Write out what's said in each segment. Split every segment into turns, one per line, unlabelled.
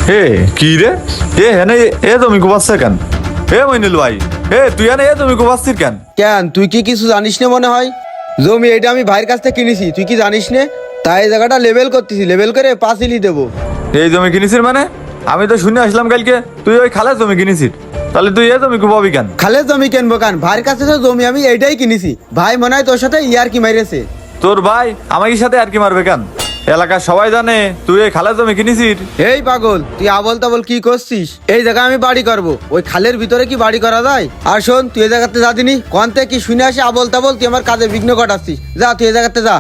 এ কি রে? হেনে এ তুমি কুবাচ্ছে কেন? মইনুল ভাই, তুই এনে তুমি কুবাচ্ছিস কেন?
কেন তুই কি কিছু জানিস না মনে হয়? জমি এটা আমি ভাইয়ের কাছ থেকে কিনেছি, তুই কি জানিস না? তাই এই জায়গাটা লেভেল করতেছি, লেভেল করে পাঁচিলই দেবো।
এই জমি কিনেছিস মানে? আমি তো শুনে আসলাম কালকে তুই ওই খালের জমি কিনেছিস, তাহলে তুই এ জমি কুবাবি কেন?
খালের জমি কিনবো কেন? ভাইয়ের কাছে তো জমি আমি এইটাই কিনেছি। ভাই মনে হয় তোর সাথে ইয়ার কি মাইরেছে।
তোর ভাই আমাকে সাথে আর কি মারবে কেন? এলাকার সবাই জানে তুই এই খালের জমি কিনেছিস।
এই পাগল, তুই আবল তাবল কি করছিস? এই জায়গায় আমি বাড়ি করবো, ওই খালের ভিতরে কি বাড়ি করা যায়? আর শোন, তুই এই জায়গাতে যা দিনি কন্তে কি শুনে আসি আবল তাবল, তুই আমার কাজে বিঘ্ন ঘটাচ্ছিস। যা তুই এই জায়গাতে যা।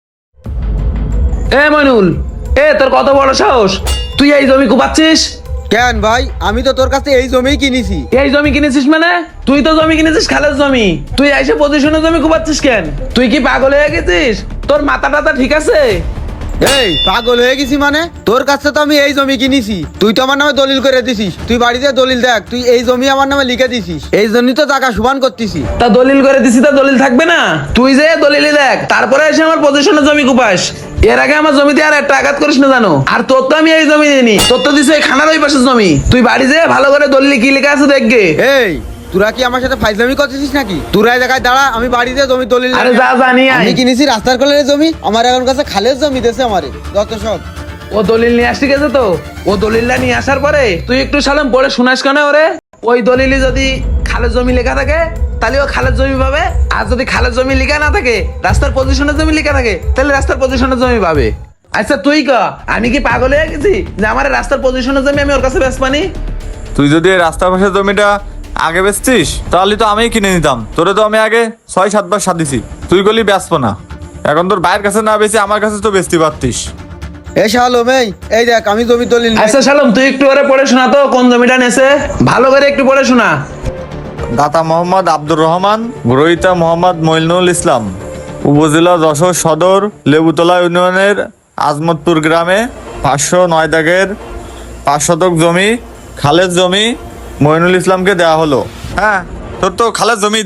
মইনুল, তোর কত বড় সাহস, তুই এই জমি কুপাচ্ছিস?
কেন ভাই, আমি তো তোর কাছে এই জমিই কিনেছি।
এই জমি কিনেছিস মানে? তুই তো জমি কিনেছিস খালের জমি, তুই এসে পজিশনে জমি কুপাচ্ছিস কেন? তুই কি পাগল হয়ে গেছিস? তোর মাথা টাথা ঠিক আছে?
এই পাগল হয়ে গেছি মানে? তোর কাছে তো আমি এই জমি কিনেছি, তুই তো আমার নামে দলিল করে দিছিস। তুই বাড়িতে দলিল দেখ, তুই এই জমি আমার নামে লিখে দিছিস, এই জন্যই তো টাকা সমান করতেছি।
তা দলিল করে দিছি, তা দলিল থাকবে না? তুই যে দলিলই দেখ, তারপরে এসে আমার পজিশনে জমি কুপাস। এর আগে আমার জমিতে আর একটা আঘাত করিস না জানো? আর তোর তো আমি এই জমি দিইনি, তোর তো দিছে এই খানার ওই পাশের জমি। তুই বাড়ি যে ভালো করে দলিল কি লেখা আছে দেখবে।
এই তোরা কি আমার সাথে ফাইজলামি করতেছিস নাকি? তোরা এই জায়গায় দাঁড়া, আমি বাড়িতে জমি দলিল।
আরে যা জানি
আমি কিনেছি রাস্তার কোলের জমি, আমার এখন কাছে খালের জমি দেশে আমারে যত সব।
ও দলিল নিয়ে আসতে গেছে তো, ও দলিলটা নিয়ে আসার পরে তুই একটু সালাম পড়ে শোনাস কেন ওরে? ওই দলিলে যদি খালের জমি লেখা থাকে তাহলে ও খালের জমি পাবে, আর যদি খালের জমি লেখা না থাকে, রাস্তার পজিশনের জমি লেখা থাকে, তাহলে রাস্তার পজিশনের জমি পাবে। আচ্ছা তুই ক, আমি কি পাগল হয়ে গেছি যে আমার রাস্তার পজিশনের জমি আমি ওর কাছে বেচবানি?
তুই যদি এই রাস্তার পাশের জমিটা আগে বেচতিস তাহলে তো আমিই কিনে নিতাম। তোরে তো আমি আগে 6-7 বার সাথ দিছি, তুই গলি বেচবো না। এখন তোর ভাইয়ের কাছে না বেশি আমার কাছে তো বেচতে পারতিস।
এ শালম, এই দেখ আমি জমি দলিল।
আচ্ছা শালম, তুই একটু ওরে পড়ে শোনা তো কোন জমিটা নেছে, ভালো করে একটু পড়ে শোনা।
দাতা মোহাম্মদ আব্দুর রহমান, গ্রহিতা মোহাম্মদ মইনুল ইসলাম, উপজেলা যশোর সদর, লেবুতলা ইউনিয়নের আজমতপুর গ্রামে 509 দাগের 5 শতক জমি, খালের জমি মইনুল ইসলামকে দেওয়া হলো। হ্যাঁ, তোর তো খালের জমি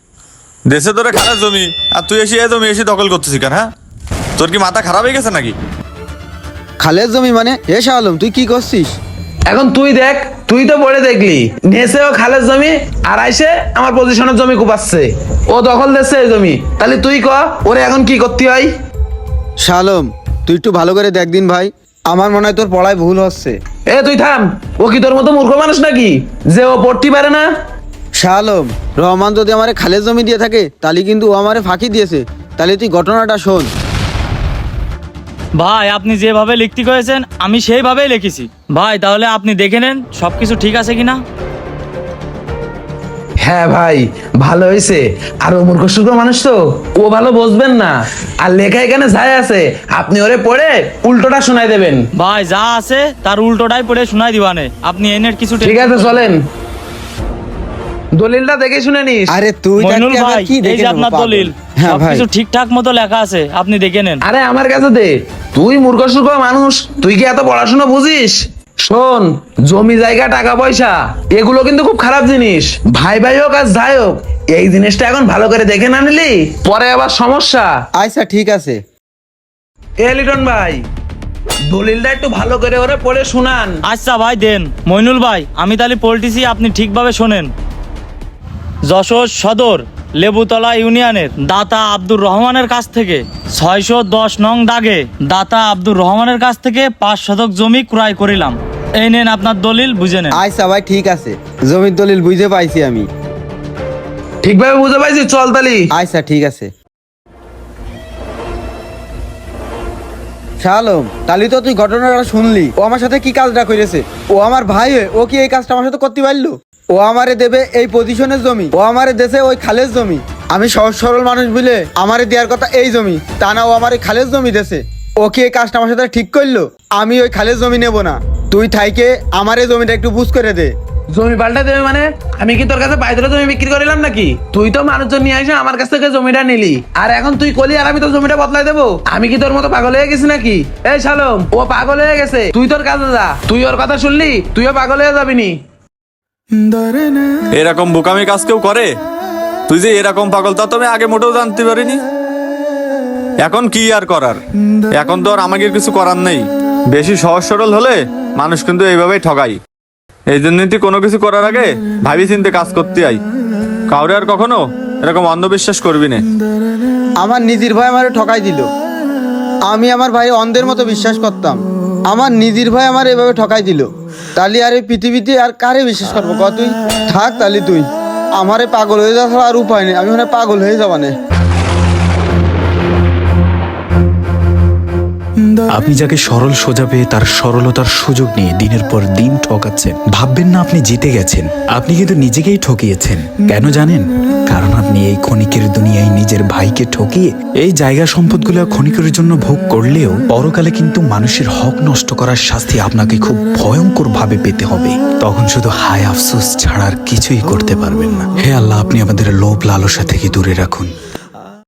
দেশে তোরে খালের জমি, আর তুই এসে এই জমি এসে দখল করতেছিস কেন? হ্যাঁ, তোর কি মাথা খারাপ হয়ে গেছে নাকি?
খালের জমি মানে? এ শালম তুই কি করছিস?
এখন তুই দেখ, তুই তো পড়ে দেখলি নেছে ও খালের জমি, আর আইসে আমার পজিশনের জমি কুপাচ্ছে, ও দখল দিচ্ছে এই জমি। তাহলে তুই ক ওরে এখন কি করতে হয়?
শালম তুই একটু ভালো করে দেখ দিন ভাই, আমার মনে হয় তোর পড়ায় ভুল হচ্ছে।
তুই থাম, ও কি তোর মতো মূর্খ মানুষ নাকি যে ও পড়তে পারে না?
শালম, রহমান যদি আমারে খালের জমি দিয়ে থাকে তাহলে কিন্তু ও আমারে ফাঁকি দিয়েছে। তাহলে তুই ঘটনাটা শোন।
ভাই, আপনি যেভাবে লিখতে করেছেন আমি সেইভাবেই লিখেছি ভাই। তাহলে আপনি দেখে নেন সবকিছু ঠিক আছে কিনা।
হ্যাঁ ভাই, ভালো হয়েছে। আর ও মূর্খ সুর্খ মানুষ তো, ও ভালো বুঝবেন না। আর লেখা এখানে যাই আছে, আপনি ওরে পড়ে উল্টোটা শোনাই দেবেন।
ভাই, যা আছে তার উল্টোটাই পড়ে শোনাই দিবানে, আপনি এনের কিছু
ঠিক আছে চলেন, দলিলটা দেখে শুনে নিস।
আরে তুই
মইনুল
থাকতে
ভাই,
আবার কি
এই
দেখে
যে
নেবো,
আপনার
পাগল।
দলিল,
হ্যাঁ ভাই,
সবকিছু ঠিকঠাক মতো লেখা আছে, আপনি দেখে নেন।
আরে আমার কাছে দে, তুই মূর্খ সুর্খ মানুষ, তুই কি এত পড়াশোনা বুঝিস? শোন, জমি জায়গা টাকা পয়সা এগুলো কিন্তু খুব খারাপ জিনিস। ভাই ভাই হোক আর যাই হোক, এই জিনিসটা এখন ভালো করে দেখে না নিলি পরে আবার সমস্যা।
আচ্ছা ঠিক আছে।
লিটন ভাই, দলিলটা একটু ভালো করে ওরে পড়ে শুনান।
আচ্ছা ভাই দেন। মইনুল ভাই, আমি তাহলে পল্টিছি, আপনি ঠিকভাবে শোনেন। যশোর সদর লেবুতলা ইউনিয়নের দাতা আব্দুর রহমানের কাছ থেকে 610 নং দাগে দাতা আব্দুর রহমানের কাছ থেকে 5 শতক জমি ক্রয় করিলাম। এই নেন আপনার দলিল, বুঝে নেন।
আচ্ছা ভাই ঠিক আছে, জমির দলিল বুঝে পাইছি আমি।
ঠিকভাবে বুঝে পাইছি, চল তালি।
আচ্ছা ঠিক আছে। শালম, তাহলে তো তুই ঘটনাটা শুনলি, ও আমার সাথে কি কাজটা করেছে। ও আমার ভাই হয়ে ও কি এই কাজটা আমার সাথে করতে পারলো? ও আমারে দেবে এই পজিশনের জমি, ও আমারে দেশে ওই খালের জমি। আমি সহজ সরল মানুষ বলে আমারে দেওয়ার কথা এই জমি, তা না ও আমার এই খালের জমি দেশে। ও কি এই কাজটা আমার সাথে ঠিক করলো? আমি ওই খালের জমি নেব না, তুই থাইকে আমার এই জমিটা একটু বুঝ করে দে।
জমি পাল্টা দেবে মানে? আমি কি তোর কাছে পাইদরে জমি বিক্রি করিলাম নাকি? তুই তো মানুষজন নিয়ে আসে আমার কাছ থেকে জমিটা নিলি, আর এখন তুই কলি আর আমি তোর জমিটা বদলাই দেবো? আমি কি তোর মতো পাগল হয়ে গেছি নাকি? এই শালম, ও পাগল হয়ে গেছে, তুই তোর কাজে যা। তুই ওর কথা শুনলি, তুইও পাগল হয়ে যাবি নি।
এরকম বোকামি কাজ কেউ করে? তুই যে এরকম পাগল তা তো আমি আগে মোটেও জানতে পারিনি। এখন কি আর করার, এখন তো আর আমাকে কিছু করার নেই। বেশি সহজ সরল হলে মানুষ কিন্তু এইভাবেই ঠকাই। এই জন্যই তুই কোনো কিছু করার আগে ভাবি চিন্তে কাজ করতে আই। কাউরে আর কখনো এরকম অন্ধবিশ্বাস করবি না।
আমার নিজের ভাই আমারে ঠকাই দিল। আমি আমার ভাই অন্ধের মতো বিশ্বাস করতাম, আমার নিজের ভাই আমার এভাবে ঠকাই দিল। তাহলে আর এই পৃথিবীতে আর কারে বিশ্বাস করবো ক? তুই থাক, তাহলে তুই আমারে পাগল হয়ে যাওয়া ছাড়া আর উপায় নেই। আমি মানে পাগল হয়ে যাবা না।
আপনি যাকে সরল সোজা পেয়ে তার সরলতার সুযোগ নিয়ে দিনের পর দিন ঠকাচ্ছেন। ভাববেন না আপনি জিতে গেছেন, আপনি কিন্তু নিজেকেই ঠকিয়েছেন। কেন জানেন? কারণ আপনি এই ক্ষণিকের দুনিয়ায় নিজের ভাইকে ঠকিয়ে এই জায়গা সম্পদগুলো ক্ষণিকের জন্য ভোগ করলেও পরকালে কিন্তু মানুষের হক নষ্ট করার শাস্তি আপনাকে খুব ভয়ঙ্কর ভাবে পেতে হবে। তখন শুধু হায় আফসোস ছাড়া আর কিছুই করতে পারবেন না। হে আল্লাহ, আপনি আমাদের লোভ লালসা থেকে দূরে রাখুন।